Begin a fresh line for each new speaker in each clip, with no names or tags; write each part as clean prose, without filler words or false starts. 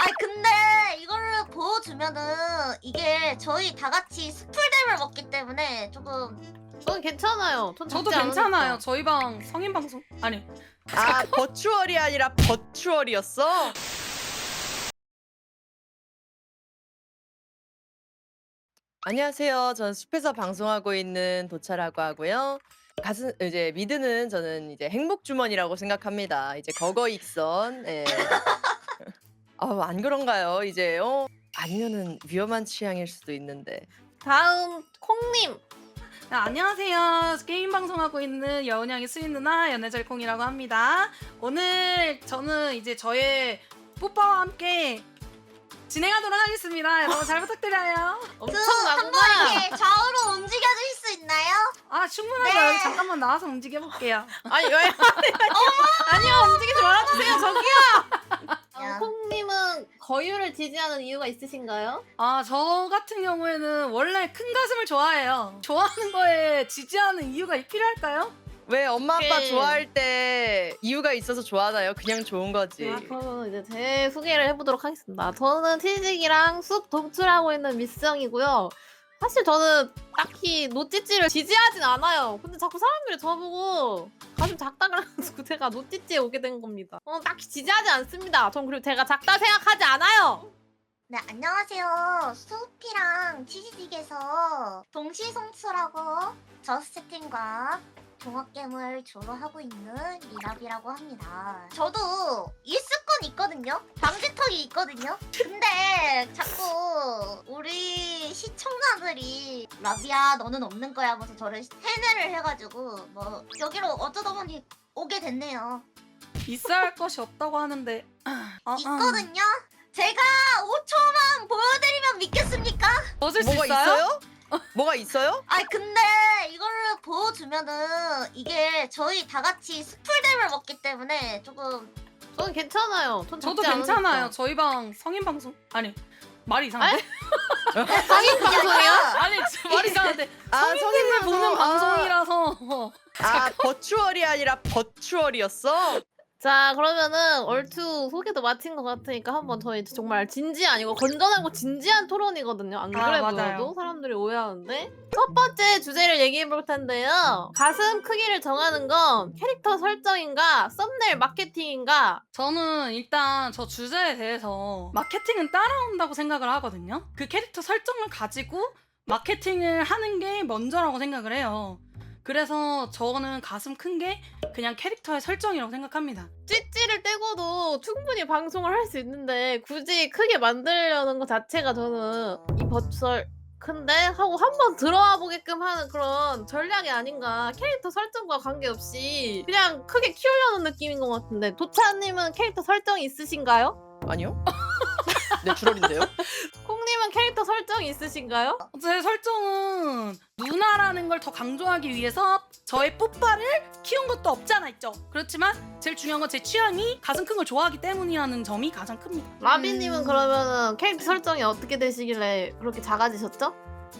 아니 근데 이거를 보여주면은 이게 저희 다 같이 스풀댐을 먹기 때문에 조금
저는 괜찮아요. 전
저도
죽지
괜찮아요.
않으니까.
저희 방 성인 방송 아니.
아 버추얼이 아니라 버추얼이었어? 안녕하세요. 저는 숲에서 방송하고 있는 도차라고 하고요. 이제 미드는 저는 이제 행복 주머니라고 생각합니다. 이제 거거익선. 예. 안 그런가요? 이제 아니면은 위험한 취향일 수도 있는데.
다음 콩님.
네, 안녕하세요. 게임 방송하고 있는 여운양의 수인 누나 연애절콩이라고 합니다. 오늘 저는 이제 저의 뽀빠와 함께 진행하도록 하겠습니다. 여러분 잘 부탁드려요.
한번
엄청나구나.
이렇게 좌우로 움직여줄 수 있나요?
아 충분하죠.
네.
여기 잠깐만 나와서 움직여볼게요.
아니 왜? 아니요 움직이지 말아주세요 저기요.
야.
콩님은 거유를 지지하는 이유가 있으신가요?
아 저 같은 경우에는 원래 큰 가슴을 좋아해요. 좋아하는 거에 지지하는 이유가 필요할까요?
왜 엄마 아빠
오케이.
좋아할 때 이유가 있어서 좋아하나요? 그냥 좋은 거지.
그러면 이제 제 소개를 해보도록 하겠습니다. 저는 티직이랑 숲 동출하고 있는 미스영이고요. 사실 저는 딱히 노찌찌를 지지하진 않아요. 근데 자꾸 사람들이 저보고 가슴 작다 그래가지고 제가 노찌찌에 오게 된 겁니다. 딱히 지지하지 않습니다. 전 그리고 제가 작다 생각하지 않아요.
네 안녕하세요. 수피랑 치즈딕에서 동시송출하고 저스트팀과 종합겜을 주로 하고 있는 리랍이라고 합니다. 저도 있을 건 있거든요. 방지턱이 있거든요. 근데 자꾸 우리 시청자들이 라비야 너는 없는 거야 하면서 저를 세뇌를 해가지고 뭐 여기로 어쩌다 보니 오게 됐네요.
있어야 할 것이 없다고 하는데
있거든요. 제가 5초만 보여드리면 믿겠습니까?
벗을 수
뭐가
있어요?
있어요? 뭐가 있어요?
아니 근데 이거를 보여주면은 이게 저희 다 같이 스풀댐을 먹기 때문에 조금
저는 괜찮아요. 전
저도
죽지
괜찮아요.
않으니까.
저희 방 성인 방송 아니 말이 이상한데?
성인 방송이요?
아니 말이 이상한데 성인들 보는 방송이라서
버추얼이 아니라 버추얼이었어?
자 그러면은 얼추 소개도 마친 것 같으니까 한번 저희 정말 진지 아니고 건전하고 진지한 토론이거든요. 안
아,
그래
맞아요.
보여도 사람들이 오해하는데 첫 번째 주제를 얘기해 볼 텐데요. 가슴 크기를 정하는 건 캐릭터 설정인가 썸네일 마케팅인가?
저는 일단 저 주제에 대해서 마케팅은 따라온다고 생각을 하거든요. 그 캐릭터 설정을 가지고 마케팅을 하는 게 먼저라고 생각을 해요. 그래서 저는 가슴 큰 게 그냥 캐릭터의 설정이라고 생각합니다.
찌찌를 떼고도 충분히 방송을 할 수 있는데 굳이 크게 만들려는 것 자체가 저는 이 버추얼 큰데 하고 한번 들어와 보게끔 하는 그런 전략이 아닌가. 캐릭터 설정과 관계없이 그냥 크게 키우려는 느낌인 것 같은데 도차님은 캐릭터 설정이 있으신가요?
아니요. 내추럴인데요?
콩님은 캐릭터 설정이 있으신가요?
제 설정은 누나라는 걸 더 강조하기 위해서 저의 뽀빠를 키운 것도 없지 않아 있죠. 그렇지만 제일 중요한 건 제 취향이 가슴 큰 걸 좋아하기 때문이라는 점이 가장 큽니다.
라비님은 그러면은 캐릭터 설정이 어떻게 되시길래 그렇게 작아지셨죠?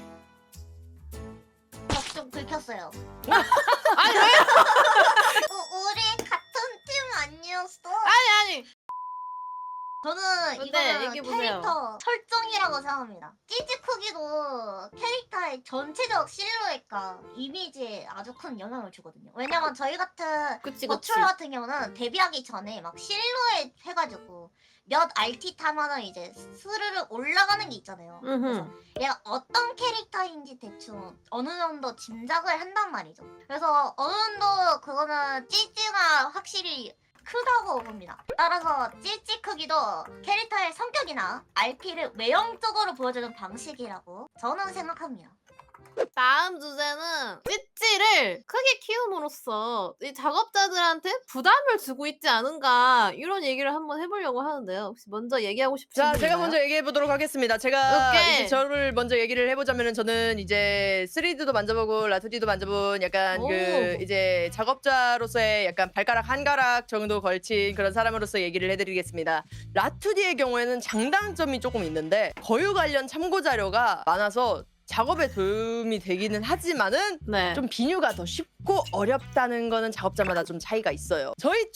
좀 긁혔어요.
아니 왜?
우리 같은 팀 아니었어?
아니
저는
근데
이거는
얘기해보세요.
캐릭터 설정이라고 생각합니다. 찌찌 크기도 캐릭터의 전체적 실루엣과 이미지에 아주 큰 영향을 주거든요. 왜냐면 저희 같은
그치 그치.
버추얼 같은 경우는 데뷔하기 전에 막 실루엣 해가지고 몇 RT 타면은 이제 스르르 올라가는 게 있잖아요. 그래서 얘가 어떤 캐릭터인지 대충 어느 정도 짐작을 한단 말이죠. 그래서 어느 정도 그거는 찌찌가 확실히 크다고 봅니다. 따라서 찌찌 크기도 캐릭터의 성격이나 RP를 외형적으로 보여주는 방식이라고 저는 생각합니다.
다음 주제는 찌찌를 크게 키움으로써 이 작업자들한테 부담을 주고 있지 않은가 이런 얘기를 한번 해보려고 하는데요. 혹시 먼저 얘기하고 싶으신
자,
분
제가
있나요?
먼저 얘기해 보도록 하겠습니다. 제가
오케이.
이제 저를 먼저 얘기를 해보자면은 저는 이제 3D도 만져보고 라투디도 만져본 약간
오.
그 이제 작업자로서의 약간 발가락 한 가락 정도 걸친 그런 사람으로서 얘기를 해드리겠습니다. 라투디의 경우에는 장단점이 조금 있는데 거유 관련 참고 자료가 많아서 작업에 도움이 되기는 하지만은
네.
좀 비뉴가 더 쉽고 어렵다는 거는 작업자마다 좀 차이가 있어요. 저희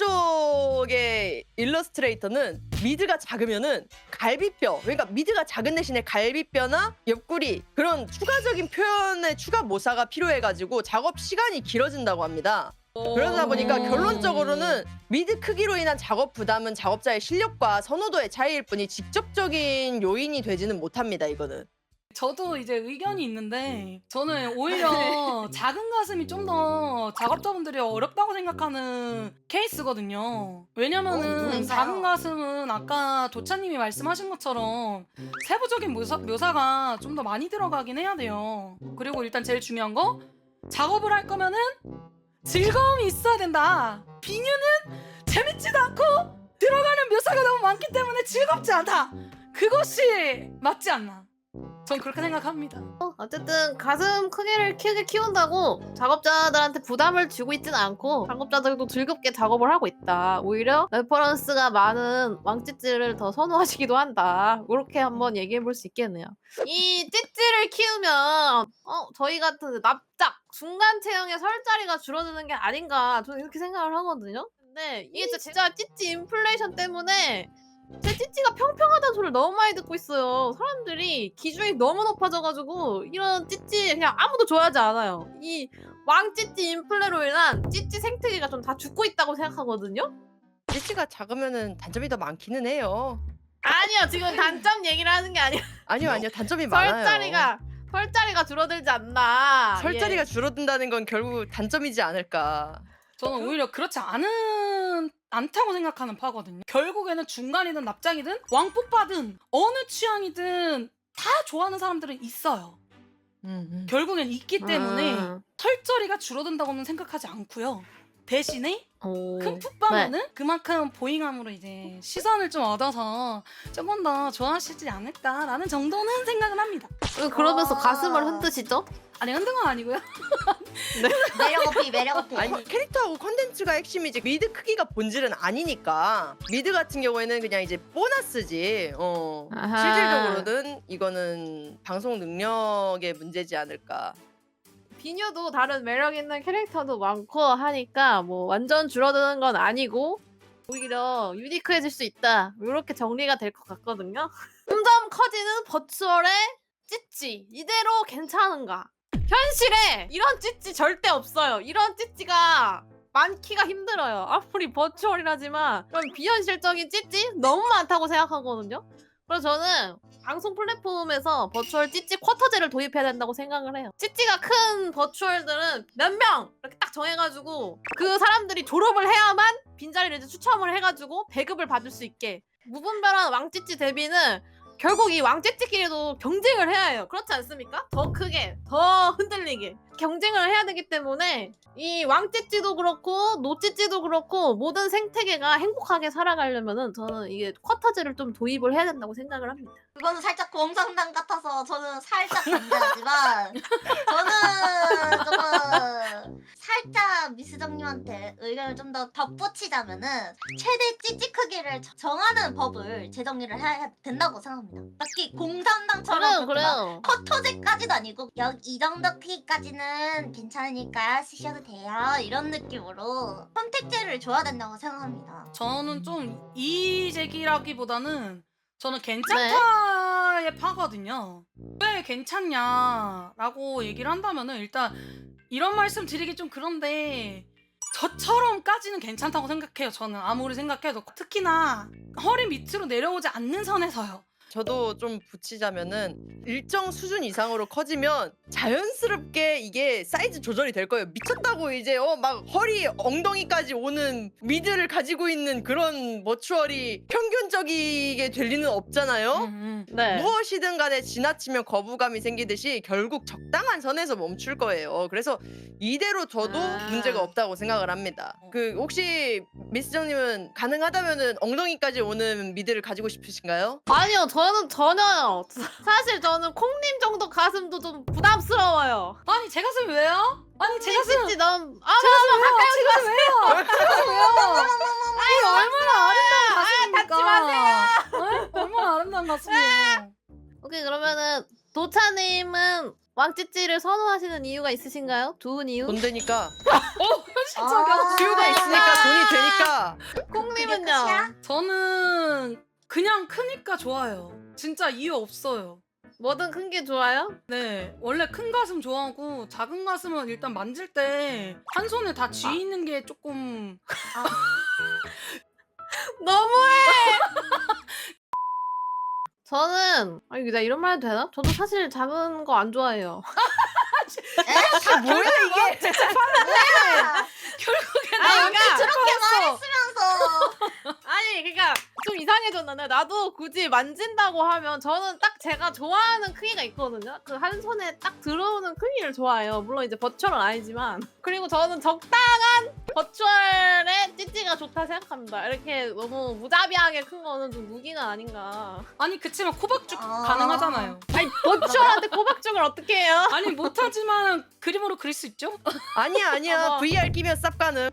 쪽의 일러스트레이터는 미드가 작으면은 갈비뼈, 그러니까 미드가 작은 대신에 갈비뼈나 옆구리 그런 추가적인 표현의 추가 모사가 필요해가지고 작업 시간이 길어진다고 합니다. 그러다 보니까 결론적으로는 미드 크기로 인한 작업 부담은 작업자의 실력과 선호도의 차이일 뿐이 직접적인 요인이 되지는 못합니다. 이거는.
저도 이제 의견이 있는데 저는 오히려 작은 가슴이 좀 더 작업자분들이 어렵다고 생각하는 케이스거든요. 왜냐면은
누군가요?
작은 가슴은 아까 도차님이 말씀하신 것처럼 세부적인 묘사가 좀 더 많이 들어가긴 해야 돼요. 그리고 일단 제일 중요한 거 작업을 할 거면은 즐거움이 있어야 된다. 비뉴는 재밌지도 않고 들어가는 묘사가 너무 많기 때문에 즐겁지 않다. 그것이 맞지 않나. 전 그렇게 생각합니다.
어쨌든 가슴 크기를 크게 키운다고 작업자들한테 부담을 주고 있지는 않고 작업자들도 즐겁게 작업을 하고 있다. 오히려 레퍼런스가 많은 왕찌찌를 더 선호하시기도 한다. 이렇게 한번 얘기해 볼 수 있겠네요. 이 찌찌를 키우면 저희 같은 납작 중간 체형의 설 자리가 줄어드는 게 아닌가 저는 이렇게 생각을 하거든요. 근데 이게 진짜 찌찌 인플레이션 때문에 제 찌찌가 평평하다는 소리를 너무 많이 듣고 있어요. 사람들이 기준이 너무 높아져가지고 이런 찌찌 그냥 아무도 좋아하지 않아요. 이 왕찌찌 인플레로 인한 찌찌 생태계가 좀 다 죽고 있다고 생각하거든요.
찌찌가 작으면은 단점이 더 많기는 해요.
아니요, 지금 단점 얘기를 하는 게 아니라
아니요, 단점이 많아요.
설자리가 줄어들지 않나.
설자리가 줄어든다는 건 결국 단점이지 않을까.
저는 오히려 그렇지 않다고 생각하는 파거든요. 결국에는 중간이든 납작이든 왕뽀빠든 어느 취향이든 다 좋아하는 사람들은 있어요. 결국엔 있기 때문에 털저리가 줄어든다고는 생각하지 않고요. 대신에 큰 풋밤은 그만큼 보잉함으로 이제 시선을 좀 얻어서 조금 더 좋아하시지 않을까라는 정도는 생각을 합니다.
그러면서 가슴을 흔드시죠?
아니 흔든 건 아니고요.
매력 어필.
아니 캐릭터하고 컨텐츠가 핵심이지 미드 크기가 본질은 아니니까. 미드 같은 경우에는 그냥 이제 보너스지.
아하.
실질적으로는 이거는 방송 능력의 문제지 않을까.
비녀도 다른 매력 있는 캐릭터도 많고 하니까 뭐 완전 줄어드는 건 아니고 오히려 유니크해질 수 있다. 이렇게 정리가 될 것 같거든요. 점점 커지는 버추얼의 찌찌 이대로 괜찮은가? 현실에 이런 찌찌 절대 없어요. 이런 찌찌가 많기가 힘들어요. 아무리 버추얼이라지만 그런 비현실적인 찌찌 너무 많다고 생각하거든요. 그래서 저는 방송 플랫폼에서 버추얼 찌찌 쿼터제를 도입해야 된다고 생각을 해요. 찌찌가 큰 버추얼들은 몇 명 이렇게 딱 정해가지고 그 사람들이 졸업을 해야만 빈자리를 이제 추첨을 해가지고 배급을 받을 수 있게. 무분별한 왕찌찌 대비는 결국 이 왕찌찌끼리도 경쟁을 해야 해요. 그렇지 않습니까? 더 크게, 더 흔들리게 경쟁을 해야 되기 때문에 이 왕찌찌도 그렇고 노찌찌도 그렇고 모든 생태계가 행복하게 살아가려면은 저는 이게 쿼터제를 좀 도입을 해야 된다고 생각을 합니다.
그거는 살짝 공상당 같아서 저는 살짝 반대하지만 저는 조금 살짝 미스정님한테 의견을 좀 더 덧붙이자면은 최대 찌찌 크기를 정하는 법을 제정리를 해야 된다고 생각합니다. 딱히 공상당처럼
그래요.
쿼터제까지도 아니고 이 정도 크기까지는 괜찮으니까 쓰셔도 돼요 이런 느낌으로 선택제를 줘야 된다고 생각합니다.
저는 좀 이의제기라기보다는 저는 괜찮다에 파거든요. 왜 괜찮냐라고 얘기를 한다면은 일단 이런 말씀 드리기 좀 그런데 저처럼까지는 괜찮다고 생각해요. 저는 아무리 생각해도 특히나 허리 밑으로 내려오지 않는 선에서요.
저도 좀 붙이자면은 일정 수준 이상으로 커지면 자연스럽게 이게 사이즈 조절이 될 거예요. 미쳤다고 이제 막 허리 엉덩이까지 오는 미드를 가지고 있는 그런 머추얼이 평균적이게 될 리는 없잖아요.
네.
무엇이든 간에 지나치면 거부감이 생기듯이 결국 적당한 선에서 멈출 거예요. 그래서 이대로 둬도 문제가 없다고 생각을 합니다. 그 혹시 미스정님은 가능하다면은 엉덩이까지 오는 미드를 가지고 싶으신가요?
아니요, 저는 전혀요. 사실 저는 콩님 정도 가슴도 좀 부담스러워요.
아니 제 가슴이 왜요? 아니 제 가슴
찌찌 너무
제 가슴 왜요? 제 가슴 왜요? 이게 얼마나 아름다운 가슴입니까?
닿지 마세요.
얼마나 아름다운 가슴이에요.
오케이, 그러면은 도차님은 왕찌찌를 선호하시는 이유가 있으신가요? 좋은 이유?
돈 되니까.
아,
수요가 있으니까 돈이 되니까.
콩님은요?
끝이야?
저는 그냥 크니까 좋아요. 진짜 이유 없어요.
뭐든 큰 게 좋아요?
네, 원래 큰 가슴 좋아하고 작은 가슴은 일단 만질 때 한 손에 다 쥐 있는 게 조금
너무해! 저는 아니 나 이런 말 해도 되나? 저도 사실 작은 거 안 좋아해요.
뭐야 이게?
결국엔
아니 그러니까
저렇게 말했으면서.
아니 그러니까 좀 이상해졌는데 나도 굳이 만진다고 하면 저는 딱 제가 좋아하는 크기가 있거든요. 그 한 손에 딱 들어오는 크기를 좋아해요. 물론 이제 버추얼은 아니지만. 그리고 저는 적당한 버추얼의 찌찌가 좋다 생각합니다. 이렇게 너무 무자비하게 큰 거는 좀 무기가 아닌가.
아니 그치만 코박죽
아.
가능하잖아요.
아니 버추얼한테 코박죽을 어떻게 해요?
아니 못하지만 그림으로 그릴 수 있죠?
아니야.
어머.
VR 끼면 쌉 가능.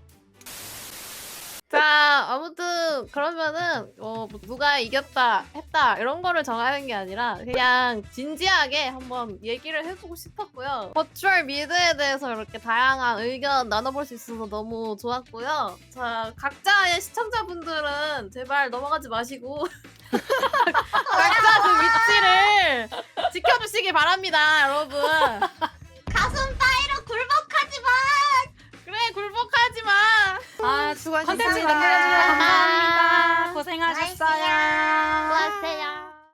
자 아무튼 그러면은 뭐 누가 이겼다 했다 이런 거를 정하는 게 아니라 그냥 진지하게 한번 얘기를 해보고 싶었고요. 버추얼 미드에 대해서 이렇게 다양한 의견 나눠볼 수 있어서 너무 좋았고요. 자 각자의 시청자분들은 제발 넘어가지 마시고 각자 그 위치를 지켜주시기 바랍니다 여러분.
가슴 따위로 굴복하지 마.
그래 굴복하지 마.
아,
수고하셨습니다.
컨텐츠 만들어주셔서 감사합니다.
나이스야.
고생하셨어요.
수고하세요.